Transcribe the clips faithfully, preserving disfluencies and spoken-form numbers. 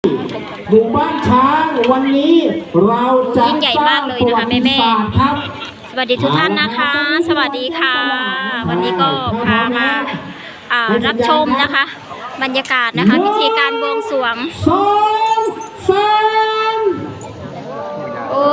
หมู่บ้านช้างวันนี้เราจะยิ่งใหญ่มากเลยนะคะแม่แม่สวัสดีทุกท่านนะคะ สวัสดีค่ะ วันนี้ก็พามารับชมนะคะ บรรยากาศนะคะพิธีการบวงสรวงสองสามโอ้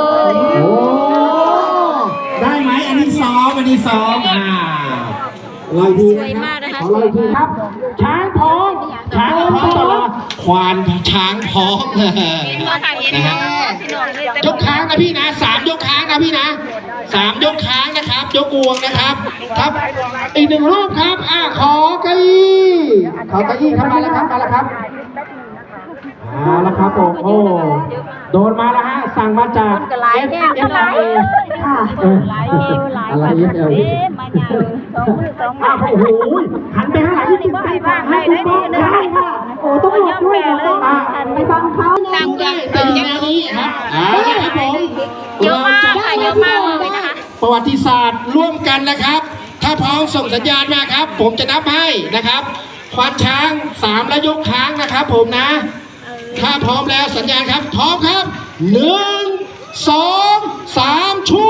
ได้ไหมอันนี้สองอันนี้สองอ่าลอยทีนะครับลอยทีครับช้างท้องช้างท้องตลอดควานช้างท้องนะฮะยกค้างนะพี่นะสามยกค้างนะพี่นะสามยกค้างนะครับยกงวงนะครับครับอีกหนึ่งรูปครับอ่าขอเก้าอี้ขอเก้าอี้ครับมาแล้วครับมาแล้วครับมาแล้วครับผมโอ้โดนมาแล้วฮะสั่งมาจากเอฟเอฟไอค่ะอะไรเอฟเอลอ้าวโอ้โหหันไปข้างหลังที่ติดใจบ้างให้ทุกคนได้ค่ะโอ้ต้องหลบด้วยเลยไปฟังเขาสั่งได้แต่แนวนี้ครับอ่าครับผมเยอะมากค่ะเยอะมากเลยนะคะประวัติศาสตร์ร่วมกันนะครับถ้าพร้อมส่งสัญญาณมาครับผมจะนับให้นะครับควานช้างสามแล้วยกค้างนะครับผมนะถ้าพร้อมแล้วสัญญาณครับพร้อมครับหนึ่งสองสามชู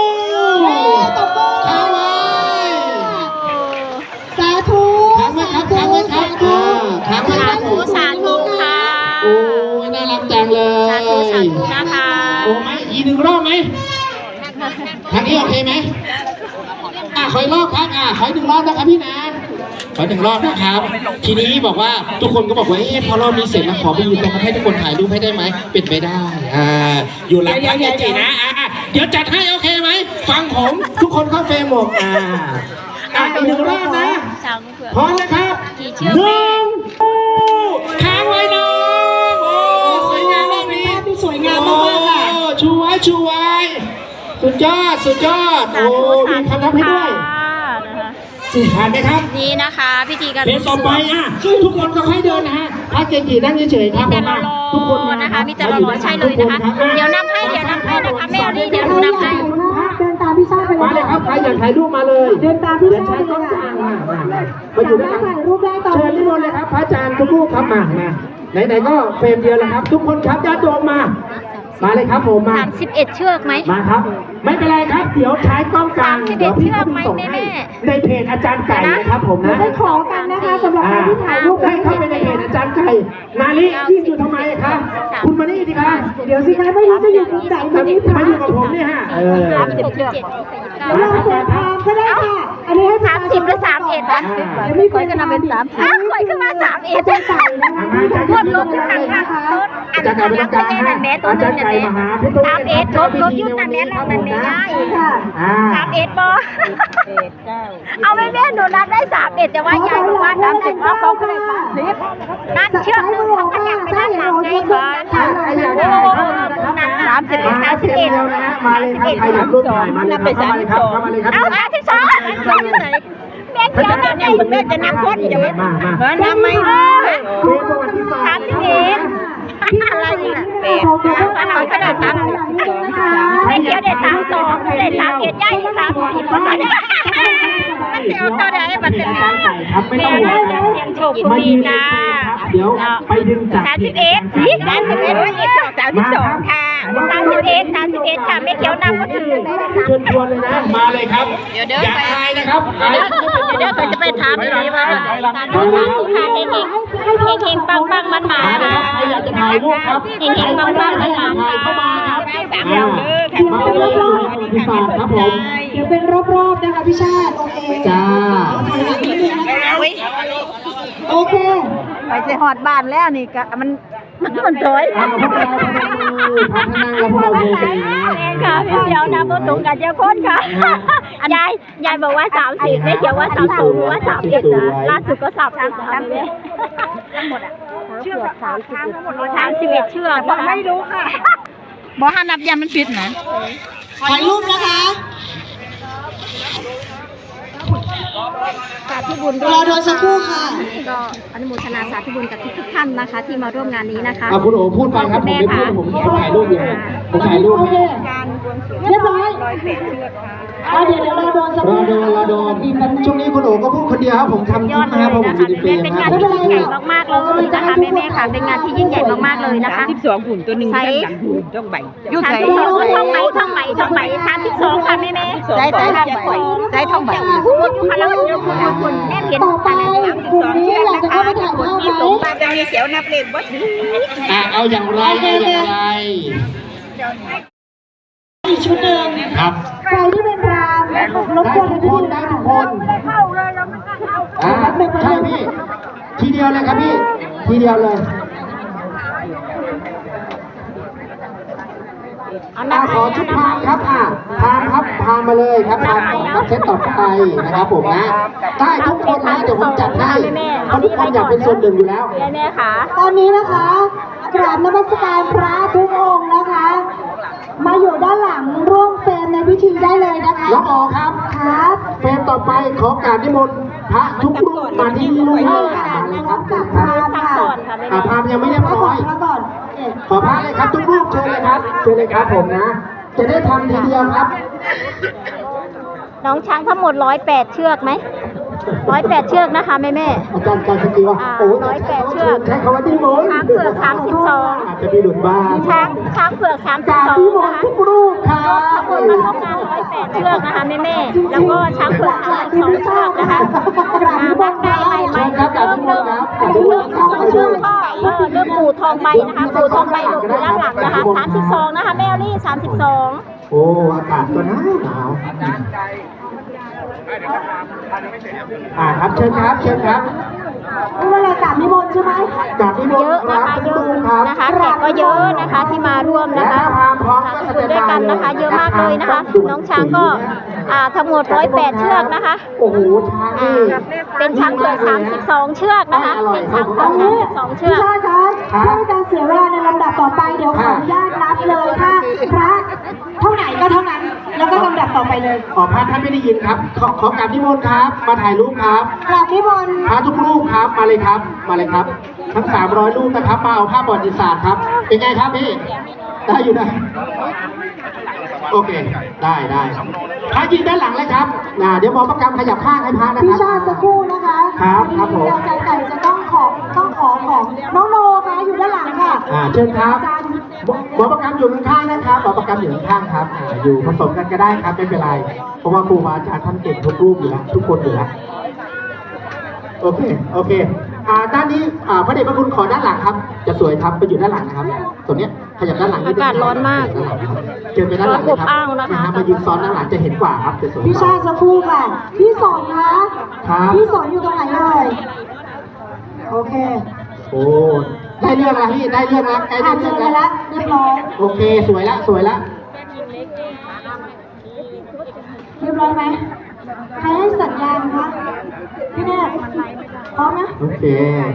ค้างไว้สาธุค้างไว้ครับค้างไว้ครับค้างไว้ครับสาธุสาธุค่ะโอ้ยน่ารักจังเลยสาธุสาธุนะคะโอ้ไหมอีกหนึ่งรอบไหมทางนี้โอเคไหมอ่ะขออีกรอบครับอ่ะขออีกหนึ่งรอบนะครับพี่นะขอหนึ่งรอบนะครับทีนี้บอกว่าทุกคนก็บอกว่าเอ๊ะพอรอบนี้เสร็จแล้วขอไปยืนตรงนั้นให้ทุกคนถ่ายรูปให้ได้ไหมเป็นไปได้อ่าอยู่หลังพระเกจินะอ่ะเดี๋ยวจัดให้โอเคไหมฟังผมทุกคนเข้าเฟรมหมดอ่าอ่ะอีกหนึ่งรอบนะพร้อมนะครับหนึ่งค้างไว้น้องโอ้สวยงามรอบนี้สวยงามมากๆค่ะชูไว้ชูไว้สุดยอดสุดยอดโอ้มีคำนับให้ด้วยผ่านไหมครับนี่นะคะพิธีการเดินต่อไปอ่ะทุกคนก็ค่อยเดินนะฮะพระเกจินั่งเฉยๆครับผมทุกคนนะคะมีแต่รอใช่เลยนะคะเดี๋ยวนำให้เดี๋ยวนำให้นะคะแม่นี่เดี๋ยวหนูนำให้เดินตามพี่ชาติไปเลยมาเลยครับใครอยากถ่ายรูปมาเลยเดินตามพี่ชาติเลยค่ะมาอยู่ด้วยกันถ่ายรูปได้ต่อเชิญนิมนต์เลยครับพระอาจารย์ทุกรูปครับมามาไหนๆก็เฟรมเดียวแล้วครับทุกคนครับญาติโยมมามาเลยครับผมมาสามสิบเอ็ดเชือกไหมมาครับไม่เป็นไรครับเดี๋ยวใช้กล้องกลางเดี๋ยวพี่จะส่งให้ในเพจอาจารย์ไก่นะครับผมนะได้ขอกันนะคะสำหรับการที่ถ่ายรูปให้เข้าไปในเพจอาจารย์ไก่นาลิยิ่งอยู่ทำไมครับคุณมานี่ดีครับเดี๋ยวสิคะไม่รู้จะอยู่ตรงไหนมานี่มาอยู่กับผมนี่ฮะเออสามสิบเชือกเราเปิดทางก็ได้ค่ะอันนี้ให้สามสิบหรือสามเอ็ดนะยังไม่ค่อยจะนำเป็นสามสิบค่อยขึ้นมาสามเอ็ดอาจารย์ไก่นะคะพดลบอยู่ต่างๆอาจารย์ไก่เป็นกลางฮะอาจารย์ไก่มหาพุทธสามเอ็ดลบลบยุ่งนั่นแน่เรานั่นแน่ได้สามเอ็ดบอเอาไม่แม่หนูนัดได้สามเอ็ดแต่ว่ายายบอกว่าสามเอ็ดเพราะเขาก็เลยสามสิบนั่นเชือกนึงเขาขยับไปด้านหลังไงก่อนสามสิบสามสิบเอ็ดมาเลยครับใครอยากรูปถ่ายมาเลยครับเข้ามาเลยครับเข้ามาเลยครับเอาสามสิบสองแม่เขียวนั่นไงแม่จะนับคนจะไม่มามานับไหมสามสิบเอ็ดอะไรเนี่ยเป็ดอันนั้นขนาดสามแม่เขียวเด็ดสามสองเด็ดสามเอ็ดย่ายสามสิบมันเสียวตัวใดมันเป็นครับไม่ต้องห่วงครับเสียงโชคดีจ้าเดี๋ยวไปดึงจากสามสิบเอ็ดสามสิบเอ็ดวันนี้สองสามสิบสองค่ะสามสิบเอ็ดสามสิบเอ็ดค่ะแม่เขียวนำก็ถือเชิญชวนเลยนะมาเลยครับเดี๋ยวเดี๋ยวอย่าอายนะครับเดี๋ยวจะไปถามดีว่าสาธุสาธุค่ะเฮงเฮงเฮงเฮงปังปังมันหมาค่ะใครอยากจะถ่ายรูปครับเฮงเฮงปังปังมันหมาเข้ามาครับมาเลยรอบๆที่สามครับผมเดี๋ยวเป็นรอบๆนะคะพี่ชาติโอเคจ้าโอเคไปจะหอดบ้านแล้วนี่ก็มันมันมันถอยพัฒนาพัฒนาแล้วพวกเราเองค่ะพี่เดียวนะโมตุงกับเจ้าคนค่ะยายยายบอกว่าสามสิบไม่เกี่ยวว่าสามสูงว่าสามเอ็ดนะล่าสุดก็สามสิบสามเลยทั้งหมดอ่ะเชือกสามสิบสามสิบเอ็ดเชือกไม่รู้ค่ะบอกห้านับยันมันผิดนะถ่ายรูปนะคะสาธุบุญรอโดนสักครู่ค่ะก็อนุโมทนาสาธุบุญกับทุกท่านนะคะที่มาร่วมงานนี้นะคะคุณโอ๋พูดไปครับผมไม่พูดผมแค่ถ่ายรูปอยู่ผมถ่ายรูปเรียบร้อยอ่ะเดี๋ยวเดี๋ยวรอโดนสักรอโดนรอโดนช่วงนี้คุณโอ๋ก็พูดคนเดียวครับผมทำยอดนะเลครับยเพราะผมนะอยู่คะในเฟรเป็นมงานนะที่ยิ่งใหญ่มากๆเลยนะคะแม่ๆค่ะเป็นงานที่ยิ่งใหญ่มากๆเลยนะคะสิบสองหุ่นตัวหนึ่งที่หลังหุ่นต้องใบยุคไหนท่องไหมท่องไหมท่องไหมสามสิบสองค่ะแม่แม่ใส่ใส่ท่องใบใส่ท่องใบพูดอยู่ค่ะแล้วคุณคุณคุณแม่เห็นต่อไปกลุ่มนี้อยากจะเข้าไปถ่ายภาพไหมป้าจะมีเสียวนับเล่นวัดนี้อ่ะเอาอย่างไรเอาอย่างไรอีกชุดหนึ่งครับใครที่เป็นรามรบได้กวนทุกพี่คนได้ทุกคนอ่าใช่พี่ทีเดียวเลยครับพี่ทีเดียวเลยเอาอ่าน้ำขอชุดพามครับอ่าพามครับพามมาเลยครับพามมาเซตต่อไปนะครับผมนะได้ทุกคนนะเดี๋ยวผมจัดให้เพราะทุกคนอยากเป็นส่วนหนึ่งอยู่แล้วแม่ค่ะตอนนี้นะคะกราบนมัสการพระทุกองค์นะคะ มาอยู่ด้านหลังร่วมเฟรมในพิธีได้เลยนะคะน้องอ๋อครับครับเฟรมต่อไปขอการนิมนต์พระทุกรูปมาที่นี่ด้วยมาเลยครับกับคพรับราหมณ์สักค่ะส่วนค่ะแม่อ่าพามยังไม่เรียบร้อยพระก่อนเอ๊ะขอพระเลยครับทุกรูปเชิญเลยครับเชิญเลยครับผมนะ จะได้ทำทีเดียวครับน้องช้างทั้งหมดร้อยแปดเชือกไหมร้อยแปดเชือกนะคะแม่แม่อาจารย์การสกีว่าอ่าโอ้ยร้อยแปดเชือกใช้คำว่าที่มนต์ช้างเผือกสามสิบสองอาจจะมีหลุดบ้างช้างช้างเผือกสามสิบจากสองที่มนนะต์คะทุกรูปครับขบวนมาร่วมงานร้อยแปดเชือกนะคะแม่แม่ๆแล้วก็ช้างเผือกสามสิบสองเชือกนะคะอ่านักได้ใหม่ใหม่เริ่มเริ่มเริ่มสองเชือกก็เออเริ่มปู่ทองใบนะคะปู่ทองใบหลบอยู่ด้านหลังนะคะสามสิบสองนะคะแม่อลี่สามสิบสองโอ้อากาศก็หนาวหนาวอ่าครับเชิญครับเชิญครับนี่เวลากราบนิมนต์ใช่ไหมจากที่มเยนอะต์คนะรับคะทุเยกอะรูปครับนะคะแขกก็เยอะนะคะที่มาร่วมนะคะและถ้าพามพร้อมก็สาแสธุดงด้วยกันนะคะ เยอะมากเลยนะคะ น้องช้างก็อ่าทั้งหมดร้อยแปดเชือกนะคะโอ้โหช้างอ่านี่เป็นช้างเผือกสามสิบสองเชือกนะคะเป็นช้างเผือกสามสิบสองเชืพี่อกชาติคะเพื่อเป็นการเสียเวลาในลำดับต่อไปเดี๋ยวขออนุญาตนับเลยค่ะพระเท่าไหนก็เท่านั้น แล้วก็ลำดับต่อไปเลยขอพระท่านไม่ได้ยินครับ ขอขอกราบนิมนต์ครับ มาถ่ายรูปครับกราบนิมนต์พระทุกรูปครับ มาเลยครับ มาเลยครับ ทั้งสามร้อยรูปนะครับ มาเอาภาพประวัติศาสตร์ครับ เป็นไงครับพี่ ได้อยู่นะ โอเค ได้ได้พระยืนด้านหลังเลยครับน่ะเดี๋ยวหมอประกรรมขยับข้างให้พระนะคพี่รับชาติสักครู่นะคะครับครับผมอาจารย์ไก่จะต้องขอต้องขอของน้องโนค่ะอยู่ด้านหลังค่ะอ่าเชิญครับอาจารย์หมอประกรรมอยู่ข้างๆนะครับหมอประกรรมอยู่ข้างๆครับอ่าอยู่ผสมกันก็ได้ครับไม่เป็นไร เพราะว่าครูบาอาจารย์ท่านเก่งทุกรูปอยู่แล้วทุกคนอยู่แล้วโอเคโอเคอ่าด้านนี้อ่าพระเดชพระคุณขอด้านหลังครับ จะสวยครับไปอยู่ด้านหลังนะครับตรงเนี้ยขยับด้านหลังนิดนึงอากาศร้อนมากด้านหลังครับเชิญไปด้านหลังเลยครับร้อนอบอ้าวนะคะฮมายืนซ้อนด้านหลังจะเห็นกว่าครับจะสวยกพี่ชาว่าติสักครู่ค่ะ พี่สอนคะครับพี่สอนอยู่ตรงไหนเอ่ยโอเคโอ้ได้เรื่องแล้วพี่ได้เรื่องแล้วใกล้ได้อ่านเจเรื่ออง กันแล้วแล้วเรียบร้อยโอเคสวยละสวยละเรียบร้อยไหมใครให้สัญญาณคะพี่แนทพร้อมนะโอเค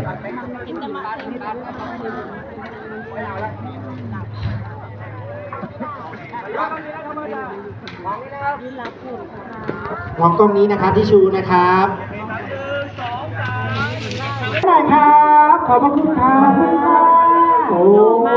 มองกล้องนี้นะครับที่ชูนะครับหน่อยครับขอบพระคุณครับโอ้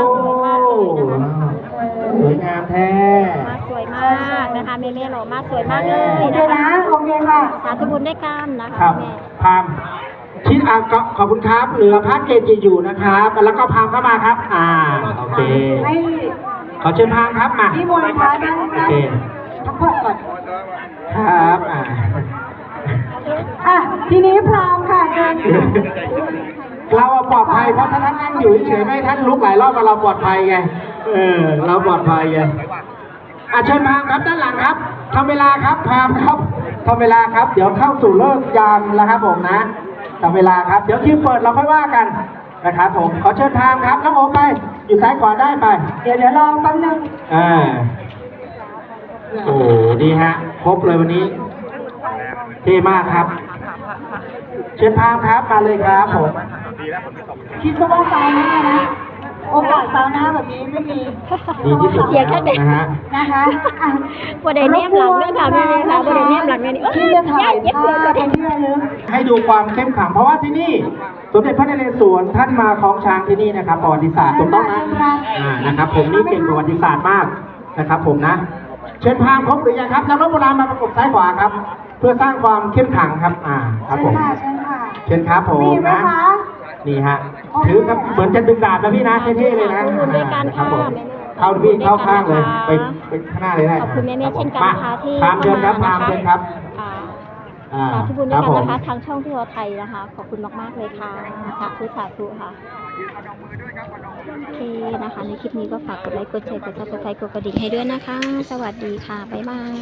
สวยงามแท้มาสวยมากนะคะแม่แม่หล่อมากสวยมากเลยโอเคนะนะคะ โอเคค่ะสาธุบุญด้วยกันนะคะครับแม่พามคิดอ่ะก็ขอบคุณครับเหลือพระเกจิอยู่นะครับ แล้วก็พามเข้ามาครับ อ่าโอเคให้ขอเชิญพามครับมาพี่มนต์พระนั่งโอนั่งเคพักผ่อนก่อนครับอ่าอ่ะ ทีนี้พร้อมค่ะเชิญค่ะเราอะปลอดภัยเพราะถ้าท่านนั่งอยู่เฉยๆไม่ให้ท่านลุกหลายรอบเราปลอดภัยไงเออเราปลอดภัยไงอ่ะเชิญพามครับด้านหลังครับทำเวลาครับพามครับทำเวลาครับ เดี๋ยวเข้าสู่เลิกยามแล้วครับผมนะทำเวลาครับเดี๋ยวคิวเปิดเราค่อยว่ากันนะครับผมขอเชิญพามครับน้องโอไปอยู่ซ้ายขวาได้ไปเดี๋ยวเดี๋ยวรอแป๊บนึงอ่าโอ้ดีฮะครบเลยวันนี้เท่มากครับ เชิญพามครับมาเลยครับผมคิดซะว่าซาวน่านะ โอกาสซาวน่าแบบนี้ไม่มีดีที่สุดเสียงแค่เด็กนะฮะนะคะอ่ะบ่ได้แนมหลังเด้อค่ะแม่ค่ะบ่ได้แนมหลังแม่นี่เอ้ยที่จะถ่ายเย็บภาเสือพตัวเป็เด็นกที่ระลึกให้ดูความเข้มขลังเพราะว่าที่นี่สมเด็จพระนเรศวรท่านมาคล้องช้างที่นี่นะครับประวัติศาสตร์ถูกต้องนะอ่านะครับ ผมนี่เก่งประวัติศาสตร์มากนะครับ ผมนะเชิญพามครบหรือยังครับนักรบโบราณมาประกบซ้ายขวาครับ เพื่อสร้างความเข้มขลังครับอ่าครับเชิผญมค่ะเชิญค่ะเชิญครับผมมีไหมนะคะ นี่ฮะถือครับเหมือนจะดึงดาบนะพี่นะเท่ๆเลยนะขอบคุณด้วยกันครับค่ะผมเข้าพี่เข้าข้างเลย ไปนะคะไปข้างหน้าเลยได้ขอบคุณแม่ๆเช่นกันนะคะที่พามเชิญครับพามเชิญครับอ่าอ่าสาธุบุญด้วยกันผมนะคะทางช่องที่เราไทยนะคะ ขอบคุณมากๆเลยค่ะสาธุสาธุค่ะโอเคนะคะ ในคลิปนี้ก็ฝากกดไลค์กดแชร์กดซับสไครต์กดกระดิ่งให้ด้วยนะคะ สวัสดีค่ะ บ๊ายบาย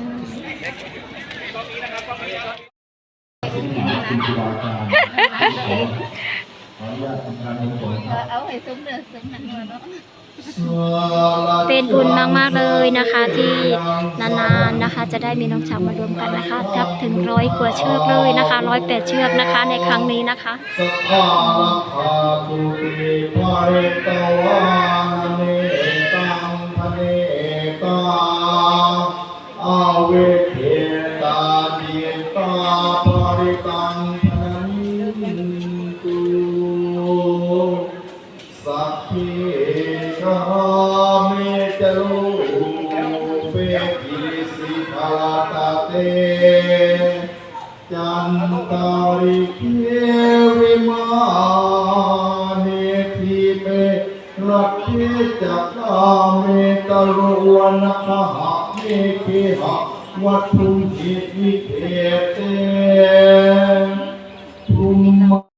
เอาให้ซุ้มเดือดซุ้มนั่นเนาะเป็นบุญมากๆเลยนะคะที่นานๆนะคะ จะได้มีน้องช้างมารวมกันนะคะทับถึงร้อยกว่าเชือกเลยนะคะร้อยแปดเชือกนะคะในครั้งนี้นะคะสัพพะลักขาตุติภะเรตวาเนตังพะเนตาอาเวเทตาจิตตาภริตังพนันตุสัพเพชาเมจโลเปกิสิภาตาเต จันตาริเกวิมาเนทิเปรักเทจักาเมตโรวนคหะเมเคหะวัตถุหิวิเทเตภูมิ